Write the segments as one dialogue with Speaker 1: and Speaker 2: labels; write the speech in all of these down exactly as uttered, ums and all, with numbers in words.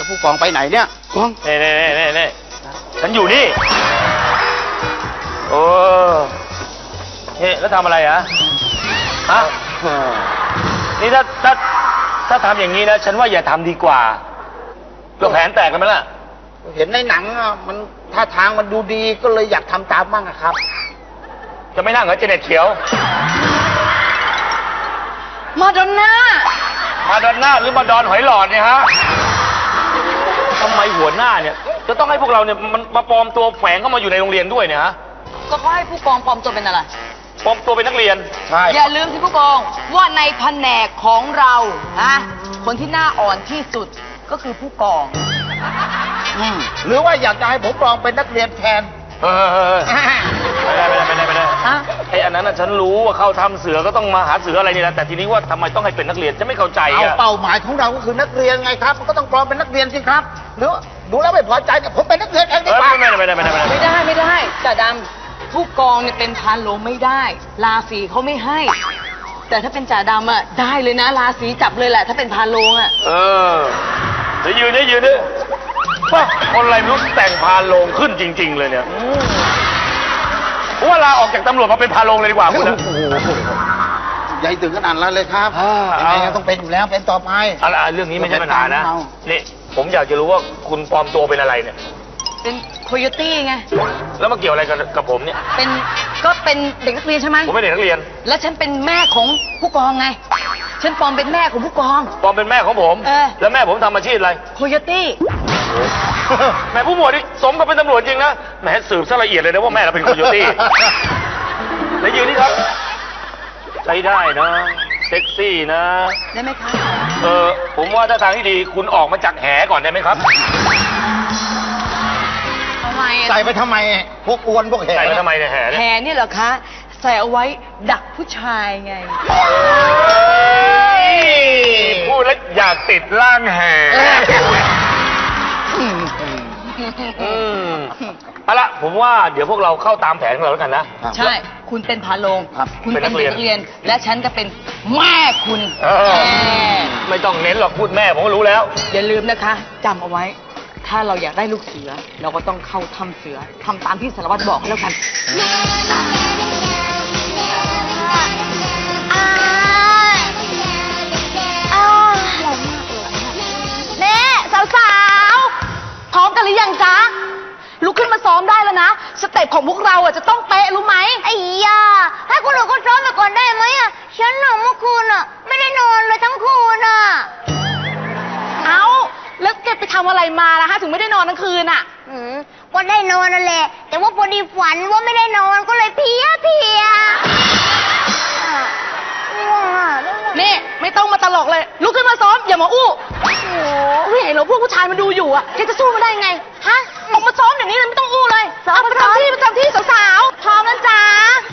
Speaker 1: แล้วผู้กองไปไหนเนี่ยกอง
Speaker 2: เน่เน่เน่เน่ฉันอยู่นี่โอ้เฮ้แล้วทำอะไรอ่ะฮะนี่ถ้าถ้าถ้าทำอย่างนี้นะฉันว่าอย่าทำดีกว่าก็แผนแตกกันไหมล่ะ
Speaker 1: เห็นในหนังอ่ะมันท่าทางมันดูดีก็เลยอยากทำตามบ้างครับ
Speaker 2: จะไม่นั่งเหรอเจเน็ตเขียว
Speaker 3: มาดอนน่า
Speaker 2: มาดอนน่าหรือมาดอนหอยหลอดเนี่ยฮะทำไมหัวหน้าเนี่ยจะต้องให้พวกเราเนี่ยมันมาปลอมตัวแฝงเข้ามาอยู่ในโรงเรียนด้วยเนี่ยฮะ
Speaker 3: ก็เขาให้ผู้กองปลอมตัวเป็นอะไร
Speaker 2: ปลอมตัวเป็นนักเรียน
Speaker 1: ใช่
Speaker 3: อย่าลืมที่ผู้กองว่าในแผนกของเรานะคนที่หน้าอ่อนที่สุดก็คือผู้กอง
Speaker 1: หรือว่าอยากจะให้ผมปลอมเป็นนักเรียนแทน
Speaker 2: เออไม่ได้ไม่ได้ไม่ได้ไม่ได้ไอ้อันนั้นฉันรู้ว่าเข้าทำเสือก็ต้องมาหาเสืออะไรนี่แหละแต่ทีนี้ว่าทำไมต้องให้เป็นนักเรียนจะไม่เข้าใจ
Speaker 1: เอาเป้าหมายของเราก็คือนักเรียนไงครับมันก็ต้องปลอมเป็นนักเรียนสิครับหรือดูแล้วไม่พอใจเนี่ยผมเป็นนักเรียนเองดีกว่า
Speaker 2: ไม่ได้ไม่ได้ไม่ได้
Speaker 3: ไม่ได้ไม่ได้จ่าดำผู้กองเนี่ยเป็นพานโลไม่ได้ราศีเขาไม่ให้แต่ถ้าเป็นจ่าดำอ่ะได้เลยนะราศีจับเลยแหละถ้าเป็นพานโลงอ่ะ
Speaker 2: เออเดี๋ยวยืนเดี๋ยวยืนดิว่าคนอะไรไม่รู้แต่งพานโลงขึ้นจริงๆเลยเนี่ยว่าลาออกจากตำรวจมาเป็นพานโลงเลยดีกว่าคุณนะ
Speaker 1: ใหญ่ถึงขนาดนั้นเลยครับยังไงต้องเป็นอยู่แล้วเป็นต่อไป
Speaker 2: อะไรเรื่องนี้ไม่ใช่ปัญหานะนี่ผมอยากจะรู้ว่าคุณปลอมตัวเป็นอะไรเนี่ย
Speaker 3: เป็นโคโยตี้ไง
Speaker 2: แล้วมาเกี่ยวอะไรกับกับผมเนี่ย
Speaker 3: เป็นก็เป็นเด็กนักเรียนใช่ไหม
Speaker 2: ผมเป็นเด็กนักเรียน
Speaker 3: แล้วฉันเป็นแม่ของผู้กองไงฉันปลอมเป็นแม่ของผู้กอง
Speaker 2: ปลอมเป็นแม่ของผมแล้วแม่ผมทำอาชีพอะไร
Speaker 3: โคโยตี้
Speaker 2: แม่ผู้หมวดนี่สมกับเป็นตำรวจจริงนะแม่สืบซะละเอียดเลยนะว่าแม่เราเป็นโคโยตี้แล้วยืนนี่ครับใช้ได้นะเซ็กซี่นะ
Speaker 3: ได้ไหมคะ
Speaker 2: เออผมว่าถ้าทางที่ดีคุณออกมาจากแหก่อนได้ไหมครับ
Speaker 3: ทำไม
Speaker 1: ใส่ไปทำไมพวกอวนพวกแห
Speaker 2: ใส่ไปทำไมเนี่ยแห
Speaker 3: แหนี่เหรอคะใส่เอาไว้ดักผู้ชายไง
Speaker 2: พูดแล้วอยากติดร่างแหเอาละผมว่าเดี๋ยวพวกเราเข้าตามแผนของเราแล้วกันนะ
Speaker 3: ใช่คุณเป็นพาโลงคุณเป็นเด็กนักเรียนและฉันก็เป็นแม่คุณ
Speaker 2: ไม่ต้องเน้นหรอกพูดแม่ผมก็รู้แล้ว
Speaker 3: อย่าลืมนะคะจำเอาไว้ถ้าเราอยากได้ลูกเสือเราก็ต้องเข้าถ้ำเสือทำตามที่สารวัตรบอกแล้วกัน
Speaker 4: แม่สาวๆพร้อมกันหรือยังจ๊ะลุกขึ้นมาซ้อมได้แล้วนะสเต็ปของพวกเราอ่ะจะต้องเป๊ะรู้ไหม
Speaker 5: ไอ้ยาให้คนอื่นก็ซ้อมไปก่อนได้ไหมอ่ะฉันหนาวเมื่อคืนอ่ะไม่ได้นอนเลยทั้งคืนอ่ะ
Speaker 4: เอาแล้วแกไปทำอะไรมาล่ะฮะถึงไม่ได้นอนทั้งคืนอ่ะ
Speaker 5: อืมก็ได้นอนนั่นแหละแต่ว่าพอดีฝันว่าไม่ได้นอนก็เลยเพี้ยเพี้ย
Speaker 4: นี่ไม่ต้องมาตลกเลยลุกขึ้นมาซ้อมอย่ามาอู้โอ้โหเห็นเหรอพวกผู้ชายมันดูอยู่อ่ะแกจะสู้มาได้ไงฮะออกมาซ้อมอย่างนี้เลยไม่ต้องอู้เลยเอาไปทำที่ไปทำที่สาวๆพร้อมแล้วจ้า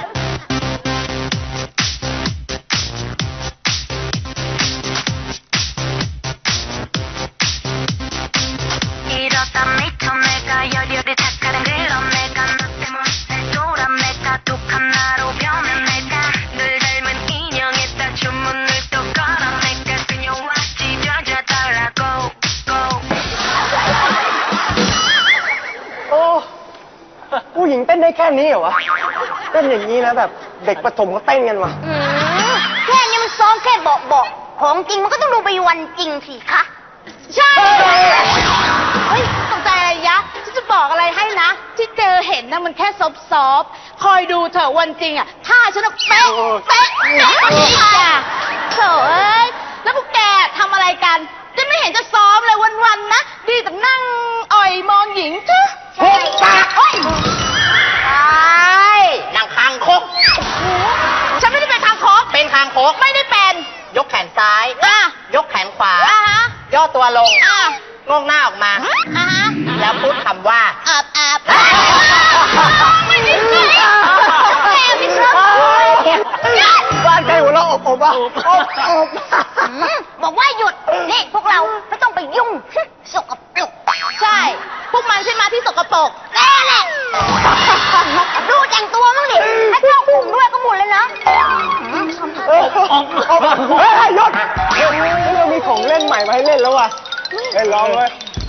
Speaker 6: ผู้หญิงเต้นได้แค่นี้เหรอวะเต้นอย่างนี้นะแบบเด็กประถมก็เต้นกันวะ
Speaker 5: แค่นี้มันซ้อมแค่เบาเบาของจริงมันก็ต้องดูไปวันจริงสิคะ
Speaker 4: ใช่เฮ้ยตกใจอะไรยะฉันจะบอกอะไรให้นะที่เจอเห็นนะมันแค่ซอบซอบคอยดูเถอะวันจริงอ่ะถ้าฉันเป๊ะเป๊ะเป๊ะอีกอ่ะเถอะเอ้ยแล้วพวกแกทำอะไรกันจะไม่เห็นจะซ้อมเลยวันๆนะดีแต่นั่งอ่อยมองหญิงเถอะ
Speaker 1: หุบปากเฮ้ยใช่นั่งคางคก
Speaker 4: ฉันไม่ได้เป็นคางคก
Speaker 1: เป็นคางคก
Speaker 4: ไม่ได้เป็น
Speaker 1: ยกแขนซ้ายยกแขนขวาย่อตัวลงงงหน้าออกมาแล้วพูดคำว่า
Speaker 5: อาบอาบ
Speaker 4: ไม่ได้สิแม่พี่ครับ
Speaker 6: บ้านใครหัวเราะอบอบอ่ะอบ
Speaker 5: บอกว่าหยุดนี่พวกเราไม่ต้องไปยุ่งสกปรก
Speaker 4: ใช่พวกมันใช่ไหมที่สกปรก
Speaker 5: แน่แหละดูแต่งตัวมั้งดิถ้าเข้ากลุ่มด้วยก็หมดเลยนะ
Speaker 6: เฮ้ยหยุดเรามีของเล่นใหม่มาให้เล่นแล้วว่ะเล่นร้องเลย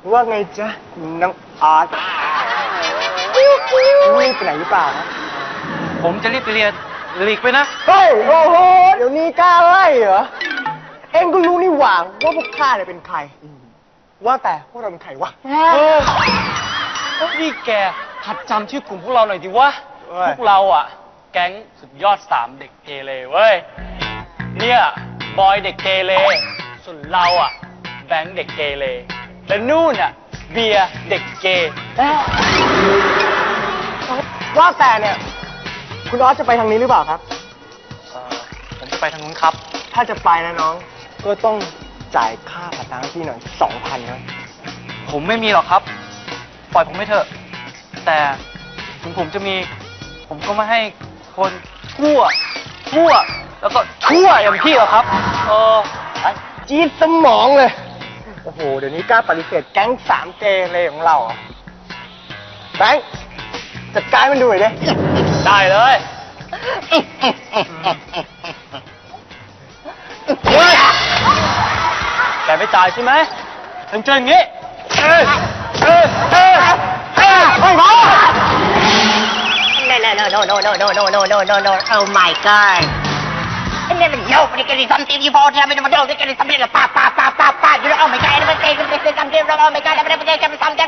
Speaker 6: ว่าไงจ๊ะน้องอาร์ตรีบไปไหนหรือเปล่านะ
Speaker 7: ผมจะรีบไปเรียนหลีกไปนะ
Speaker 6: เฮ้ย โอ้โห เดี๋ยวนี้กล้าไล่เหรอ เอ็งก็รู้นี่หว่าว่าพวกข้าเนี่ยเป็นใคร ว่าแต่พวกเราเป็นใครวะ
Speaker 7: เออนี่แกหัดจำชื่อกลุ่มพวกเราหน่อยดิวะ
Speaker 6: เว้ย
Speaker 7: พวกเราอ่ะ แก๊งสุดยอดสามเด็กเกเรเว้ย เนี่ย บอยเด็กเกเร ส่วนเราอ่ะ แบงค์เด็กเกเร และนู่นอ่ะ เบียร์เด็กเกย์
Speaker 6: ว่าแต่เนี่ย คุณออสจะไปทางนี้หรือเปล่าครับ
Speaker 7: เอ่อผมจะไปทางนู้นครับ
Speaker 6: ถ้าจะไปนะน้อง ก็ต้องจ่ายค่าผ่านทางให้พี่หน่อยสองพันนะ
Speaker 7: ผมไม่มีหรอกครับ ปล่อยผมไม่เถอะ แต่ถึงผมจะมี ผมก็ไม่ให้คนชั่วชั่ว แล้วก็ชั่วอย่างพี่หรอกครับ เออ
Speaker 6: จี๊ดสมองเลย โอ้โห เดี๋ยวนี้กล้าปฏิเสธแก๊งสามเกเรของเราเหรอแบงค์จัดการมันดูหน่อยดิ
Speaker 7: ได้เลยแกไม่จ่ายใช่ไหมถึงเจออย่างนี้ เอ้ยเอ้ยเอ้ยเอ้ยไม่พอ
Speaker 1: No, no, no, no, no, no, no, no, no, no, no, no. Oh my God. And then nobody can do something you fall down, and nobody can do something like pop, pop, pop, pop, pop. You know, oh my God, and everybody can do something, oh my God, everybody can do something.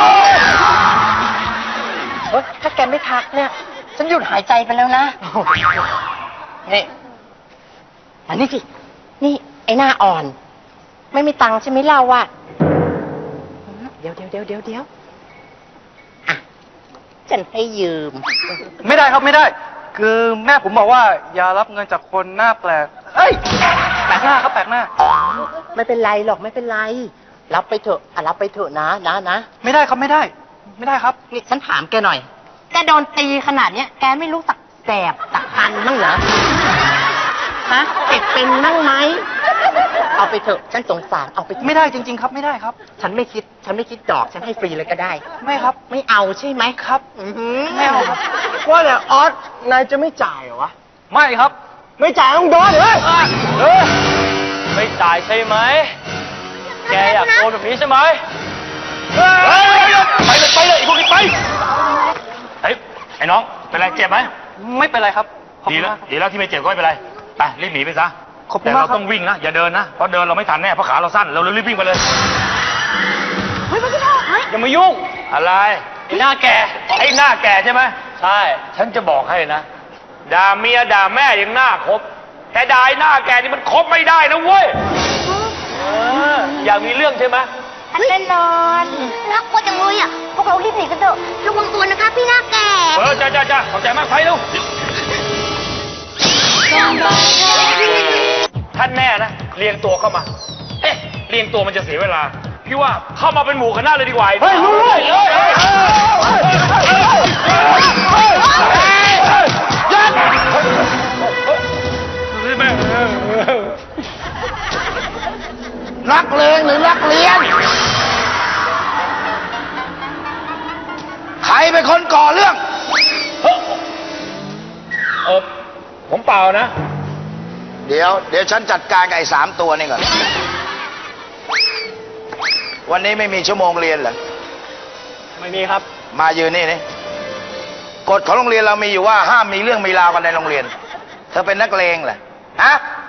Speaker 1: เฮ้ยถ้าแกไม่ทักเนี่ย ฉันหยุดหายใจไปแล้วนะ นี่มานี่สิ นี่ไอ้หน้าอ่อน ไม่มีตังค์ใช่ไหมเราอะเดี๋ยวเดี๋ยวเดี๋ยวเดี๋ยวเดี๋ยวอ่ะ ฉันให้ยืม
Speaker 7: ไม่ได้ครับไม่ได้ คือแม่ผมบอกว่าอย่ารับเงินจากคนหน้าแปลก เอ้ย แปลกหน้าครับแปลกหน้า
Speaker 1: ไม่เป็นไรหรอกไม่เป็นไร รับไปเถอะอ่ะรับไปเถอะนะนะนะ
Speaker 7: ไม่ได้ครับไม่ได้ ไม่ได้ครับ
Speaker 1: นี่ฉันถามแกหน่อย แกโดนตีขนาดเนี้ย แกไม่รู้สักแสบสักคันบ้างเหรอ ฮะเจ็บเป็นนั่งไหม เอาไปเถอะ ฉันสงสาร เอาไปเถอะ
Speaker 7: ไม่ได้จริง ๆ ครับไม่ได้ครับ
Speaker 1: ฉันไม่คิด ฉันไม่คิดดอก ฉันให้ฟรีเลยก็ได้
Speaker 7: ไม่ครับ
Speaker 1: ไม่เอาใช่ไหมครับ อือหือ
Speaker 7: ไม่เอาครับ
Speaker 6: ว่าแต่ออสนายจะไม่จ่ายเหรอวะ
Speaker 7: ไม่ครับ
Speaker 6: ไม่จ่ายต้องโดนเลย
Speaker 7: เออไม่จ่ายใช่ไหม แกอยากโดนแบบนี้ใช่ไหม
Speaker 2: เฮ้ยไปเลยไปเลยไอ้พวกนี้ไปเฮ้ยไอ้น้องเป็นไรเจ็บไหม
Speaker 7: ไม่เป็นไรครับขอบ
Speaker 2: ดี
Speaker 7: คุณ
Speaker 2: แล้ว
Speaker 7: มากครับ
Speaker 2: ดีแล้วที่ไม่เจ็บก็ไม่เป็นไรไปรีบหนีไปซะ
Speaker 7: ขอบคุณ
Speaker 2: แต่
Speaker 7: มาก
Speaker 2: เรา
Speaker 7: ครับ
Speaker 2: ต้องวิ่งนะอย่าเดินนะเพราะเดินเราไม่ทันแน่เพราะขาเราสั้นเราเลยรีบวิ่งไปเลย
Speaker 5: เฮ้ยมันจะทำเฮ้ย
Speaker 2: อย่ามายุ่งอะไร
Speaker 7: ไอ้หน้าแก
Speaker 2: ไอ้หน้าแก่ใช่ไหม
Speaker 7: ใช่
Speaker 2: ฉันจะบอกให้นะด่าเมียด่าแม่ยังหน้าครบแต่ด่าไอ้หน้าแก่นี่มันครบไม่ได้นะเว้ยเอออยากมีเรื่องใช่ไหม
Speaker 5: อันแน่นอนน่ากลัวจังเลยอ่ะ พวกเรารีบหนีกันเถอะ ระวังตัวนะคะพี่หน้าแก่
Speaker 2: เออจ้าจ้าจ้าขอบใจมากไปลูกท่านแน่นะเรียงตัวเข้ามา เอ๊ะเรียงตัวมันจะเสียเวลาพี่ว่าเข้ามาเป็นหมู่คณะเลยดีกว่า
Speaker 6: เฮ้ยรู้เลย
Speaker 2: เฮ้ยเฮ้ยเฮ้ยยัด
Speaker 1: รักเลงหรือรักเรียน
Speaker 2: ใครเป็นคนก่อเรื่องเออผมเปล่านะ
Speaker 8: เดี๋ยว เดี๋ยวฉันจัดการกับไอ้สามตัวนี่ก่อน วันนี้ไม่มีชั่วโมงเรียนเหรอ
Speaker 7: ไม่มีครับ
Speaker 8: มายืนนี่นี่กฎของโรงเรียนเรามีอยู่ว่าห้ามมีเรื่องมีราวกันในโรงเรียน เธอเป็นนักเลงเหรอ ฮะ